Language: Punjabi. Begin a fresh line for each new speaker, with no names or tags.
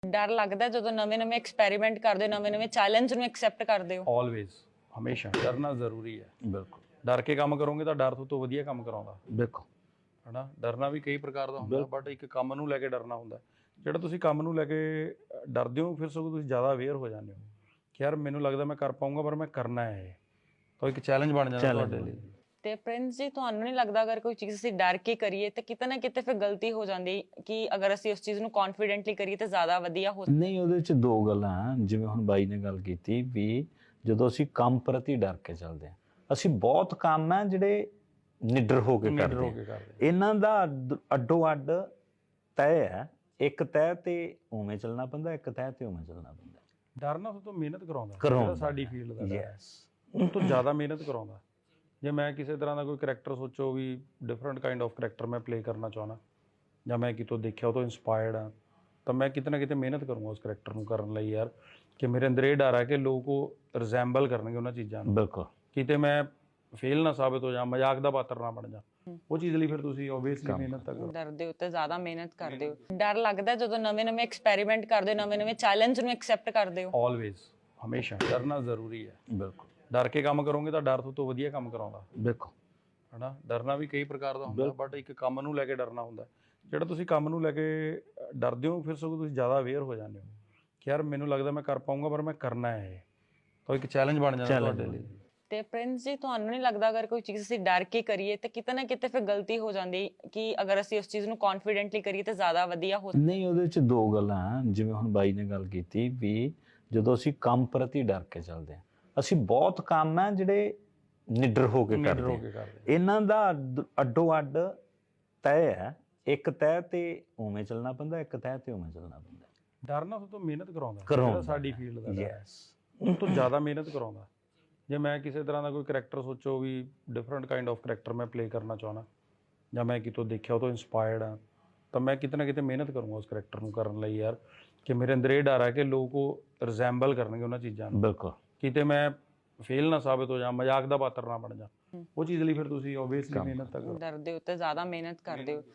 ਡਰ ਲੱਗਦਾ ਜਦੋਂ ਨਵੇਂ-ਨਵੇਂ ਐਕਸਪੈਰੀਮੈਂਟ ਕਰਦੇ ਹੋ, ਨਵੇਂ-ਨਵੇਂ ਚੈਲੰਜ ਨੂੰ ਐਕਸੈਪਟ ਕਰਦੇ ਹੋ?
ਆਲਵੇਜ਼, ਹਮੇਸ਼ਾ ਡਰਨਾ ਜ਼ਰੂਰੀ ਹੈ।
ਬਿਲਕੁਲ
ਡਰ ਕੇ ਕੰਮ ਕਰੋਗੇ ਤਾਂ ਡਰ ਤੋਂ ਵਧੀਆ ਕੰਮ ਕਰਾਉਂਦਾ
ਬਿਲਕੁਲ
ਹਨਾ। ਡਰਨਾ ਵੀ ਕਈ ਪ੍ਰਕਾਰ ਦਾ ਹੁੰਦਾ, ਬਟ ਇੱਕ ਕੰਮ ਨੂੰ ਲੈ ਕੇ ਡਰਨਾ ਹੁੰਦਾ। ਜਿਹੜਾ ਤੁਸੀਂ ਕੰਮ ਨੂੰ ਲੈ ਕੇ ਡਰਦੇ ਹੋ, ਫਿਰ ਸਗੋਂ ਤੁਸੀਂ ਜ਼ਿਆਦਾ ਅਵੇਅਰ ਹੋ ਜਾਂਦੇ ਹੋ ਕਿ ਯਾਰ ਮੈਨੂੰ ਲੱਗਦਾ ਮੈਂ ਕਰ ਪਾਊਂਗਾ, ਪਰ ਮੈਂ ਕਰਨਾ ਹੈ ਇਹ, ਤਾਂ ਇੱਕ ਚੈਲੰਜ ਬਣ ਜਾਂਦਾ ਤੁਹਾਡੇ ਲਈ।
ਤੇ ਪ੍ਰਿੰਸ ਜੀ, ਤੁਹਾਨੂੰ ਨਹੀਂ ਲੱਗਦਾ ਅਗਰ ਕੋਈ ਚੀਜ਼ ਅਸੀਂ ਡਰ ਕੇ ਕਰੀਏ ਤਾਂ ਕਿਤੇ ਨਾ ਕਿਤੇ ਫਿਰ ਗਲਤੀ ਹੋ ਜਾਂਦੀ ਕਿ ਅਗਰ ਅਸੀਂ ਉਸ ਚੀਜ਼ ਨੂੰ ਕੌਨਫੀਡੈਂਟਲੀ ਕਰੀਏ ਤਾਂ ਜ਼ਿਆਦਾ ਵਧੀਆ ਹੋ?
ਨਹੀਂ, ਉਹਦੇ ਚ ਦੋ ਗੱਲਾਂ ਹਨ। ਜਿਵੇਂ ਹੁਣ ਬਾਈ ਨੇ ਗੱਲ ਕੀਤੀ ਵੀ ਜਦੋਂ ਅਸੀਂ ਕੰਮ ਪ੍ਰਤੀ ਡਰ ਕੇ ਚੱਲਦੇ ਹਾਂ, ਅਸੀਂ ਬਹੁਤ ਕੰਮ ਹੈ ਜਿਹੜੇ ਨਿਡਰ ਹੋ ਕੇ ਕਰਦੇ ਹਾਂ। ਇਹਨਾਂ ਦਾ ਅੱਡੋ ਅੱਡ ਤੈਅ ਹੈ। ਇੱਕ ਤੈਅ ਤੇ ਉਵੇਂ ਚੱਲਣਾ ਪੈਂਦਾ, ਇੱਕ ਤੈਅ ਤੇ ਉਵੇਂ ਚੱਲਣਾ ਪੈਂਦਾ।
ਡਰਨਾ ਤੋਂ ਮਿਹਨਤ ਕਰਾਉਂਦਾ ਸਾਡੀ ਫੀਲਡ ਦਾ,
ਯੈਸ,
ਉਹ ਤੋਂ ਜ਼ਿਆਦਾ ਮਿਹਨਤ ਕਰਾਉਂਦਾ। ਜੇ ਮੈਂ ਕਿਸੇ ਤਰ੍ਹਾਂ ਦਾ ਕੋਈ ਕਰੈਕਟਰ ਸੋਚੋ ਵੀ ਡਿਫਰੈਂਟ ਕਾਈਂਡ ਆਫ ਕਰੈਕਟਰ ਮੈਂ ਪਲੇ ਕਰਨਾ ਚਾਹੁੰਦਾ, ਜਾਂ ਮੈਂ ਕਿਤੋਂ ਦੇਖਿਆ ਉਹ ਤੋਂ ਇੰਸਪਾਇਰਡ ਹਾਂ, ਤਾਂ ਮੈਂ ਕਿਤੇ ਨਾ ਕਿਤੇ ਮਿਹਨਤ ਕਰੂੰਗਾ ਉਸ ਕਰੈਕਟਰ ਨੂੰ ਕਰਨ ਲਈ ਯਾਰ, ਕਿ ਮੇਰੇ ਅੰਦਰ ਇਹ ਡਰ ਹੈ ਕਿ ਲੋਕ ਉਹ ਰਿਜ਼ੈਂਬਲ ਕਰਨਗੇ ਉਹਨਾਂ ਚੀਜ਼ਾਂ ਨੂੰ।
ਬਿਲਕੁਲ,
ਕਿਤੇ ਮੈਂ ਫੇਲ ਨਾ ਸਾਬਿਤ ਹੋ ਜਾ, ਮਜ਼ਾਕ ਦਾ ਪਾਤਰ ਨਾ ਬਣ ਜਾ। ਉਹ ਚੀਜ਼ ਲਈ ਫਿਰ ਤੁਸੀਂ ਓਬਵੀਅਸਲੀ ਮਿਹਨਤ ਤਾਂ ਕਰੋ।
ਡਰਦੇ ਹੋ ਤੇ ਜ਼ਿਆਦਾ ਮਿਹਨਤ ਕਰਦੇ ਹੋ। ਡਰ ਲੱਗਦਾ ਜਦੋਂ ਨਵੇਂ-ਨਵੇਂ ਐਕਸਪੈਰੀਮੈਂਟ ਕਰਦੇ ਹੋ, ਨਵੇਂ-ਨਵੇਂ ਚੈਲੰਜ ਨੂੰ ਐਕਸੈਪਟ ਕਰਦੇ ਹੋ?
ਆਲਵੇਜ਼, ਹਮੇਸ਼ਾ ਡਰਨਾ ਜ਼ਰੂਰੀ ਹੈ।
ਬਿਲਕੁਲ
ਡਰ ਕੇ ਕੰਮ ਕਰੋਗੇ ਤਾਂ ਡਰ ਤੋਂ ਵਧੀਆ ਕੰਮ ਕਰਾਉਂਦਾ
ਬਿਲਕੁਲ
ਹਨਾ। ਡਰਨਾ ਵੀ ਕਈ ਪ੍ਰਕਾਰ ਦਾ ਹੁੰਦਾ, ਬਟ ਇੱਕ ਕੰਮ ਨੂੰ ਲੈ ਕੇ ਡਰਨਾ ਹੁੰਦਾ। ਜਿਹੜਾ ਤੁਸੀਂ ਕੰਮ ਨੂੰ ਲੈ ਕੇ ਡਰਦੇ ਹੋ, ਫਿਰ ਸਗੋਂ ਤੁਸੀਂ ਜ਼ਿਆਦਾ ਅਵੇਅਰ ਹੋ ਜਾਂਦੇ ਹੋ ਕਿ ਯਾਰ ਮੈਨੂੰ ਲੱਗਦਾ ਮੈਂ ਕਰ ਪਾਊਂਗਾ, ਪਰ ਮੈਂ ਕਰਨਾ ਹੈ ਇਹ, ਤਾਂ ਇੱਕ ਚੈਲੰਜ ਬਣ ਜਾਂਦਾ ਤੁਹਾਡੇ ਲਈ।
ਤੇ ਪ੍ਰਿੰਸ ਜੀ, ਤੁਹਾਨੂੰ ਨਹੀਂ ਲੱਗਦਾ ਅਗਰ ਕੋਈ ਚੀਜ਼ ਅਸੀਂ ਡਰ ਕੇ ਕਰੀਏ ਤਾਂ ਕਿਤੇ ਨਾ ਕਿਤੇ ਫਿਰ ਗਲਤੀ ਹੋ ਜਾਂਦੀ ਕਿ ਅਗਰ ਅਸੀਂ ਉਸ ਚੀਜ਼ ਨੂੰ ਕੌਨਫੀਡੈਂਟਲੀ ਕਰੀਏ ਤਾਂ ਜ਼ਿਆਦਾ ਵਧੀਆ ਹੋ?
ਨਹੀਂ, ਉਹਦੇ ਚ ਦੋ ਗੱਲਾਂ ਹਨ। ਜਿਵੇਂ ਹੁਣ ਬਾਈ ਨੇ ਗੱਲ ਕੀਤੀ ਵੀ ਜਦੋਂ ਅਸੀਂ ਕੰਮ ਪ੍ਰਤੀ ਡਰ ਕੇ ਚੱਲਦੇ ਹਾਂ, ਅਸੀਂ ਬਹੁਤ ਕੰਮ ਹੈ ਜਿਹੜੇ ਨਿਡਰ ਹੋ ਕੇ ਕਰਦੇ ਹਾਂ। ਇਹਨਾਂ ਦਾ ਅੱਡੋ ਅੱਡ ਤੈਅ ਹੈ। ਇੱਕ ਤੈਅ ਤੇ ਉਵੇਂ ਚੱਲਣਾ ਪੈਂਦਾ, ਇੱਕ ਤੈਅ ਤੇ ਉਵੇਂ ਚੱਲਣਾ ਪੈਂਦਾ।
ਡਰਨਾ ਤੋਂ ਮਿਹਨਤ ਕਰਾਉਂਦਾ ਸਾਡੀ ਫੀਲਡ ਦਾ,
ਯੈਸ,
ਉਹ ਤੋਂ ਜ਼ਿਆਦਾ ਮਿਹਨਤ ਕਰਾਉਂਦਾ। ਜੇ ਮੈਂ ਕਿਸੇ ਤਰ੍ਹਾਂ ਦਾ ਕੋਈ ਕਰੈਕਟਰ ਸੋਚੋ ਵੀ ਡਿਫਰੈਂਟ ਕਾਈਂਡ ਆਫ ਕਰੈਕਟਰ ਮੈਂ ਪਲੇ ਕਰਨਾ ਚਾਹੁੰਦਾ, ਜਾਂ ਮੈਂ ਕਿਤੋਂ ਦੇਖਿਆ ਉਹ ਤੋਂ ਇੰਸਪਾਇਰਡ ਹਾਂ, ਤਾਂ ਮੈਂ ਕਿਤੇ ਨਾ ਕਿਤੇ ਮਿਹਨਤ ਕਰੂੰਗਾ ਉਸ ਕਰੈਕਟਰ ਨੂੰ ਕਰਨ ਲਈ ਯਾਰ, ਕਿ ਮੇਰੇ ਅੰਦਰ ਇਹ ਡਰ ਹੈ ਕਿ ਲੋਕ ਉਹ ਰਿਜ਼ੈਂਬਲ ਕਰਨਗੇ ਉਹਨਾਂ ਚੀਜ਼ਾਂ ਨੂੰ।
ਬਿਲਕੁਲ,
ਕਿਤੇ ਮੈਂ ਫੇਲ ਨਾ ਸਾਬਿਤ ਹੋ ਜਾ, ਮਜ਼ਾਕ ਦਾ ਪਾਤਰ ਨਾ ਬਣ ਜਾ। ਉਹ ਚੀਜ਼ ਲਈ ਫਿਰ ਤੁਸੀਂ ਓਬਵੀਅਸਲੀ ਮਿਹਨਤ ਤਾਂ ਕਰੋ।
ਡਰਦੇ ਹੋ ਤੇ ਜ਼ਿਆਦਾ ਮਿਹਨਤ ਕਰਦੇ ਹੋ।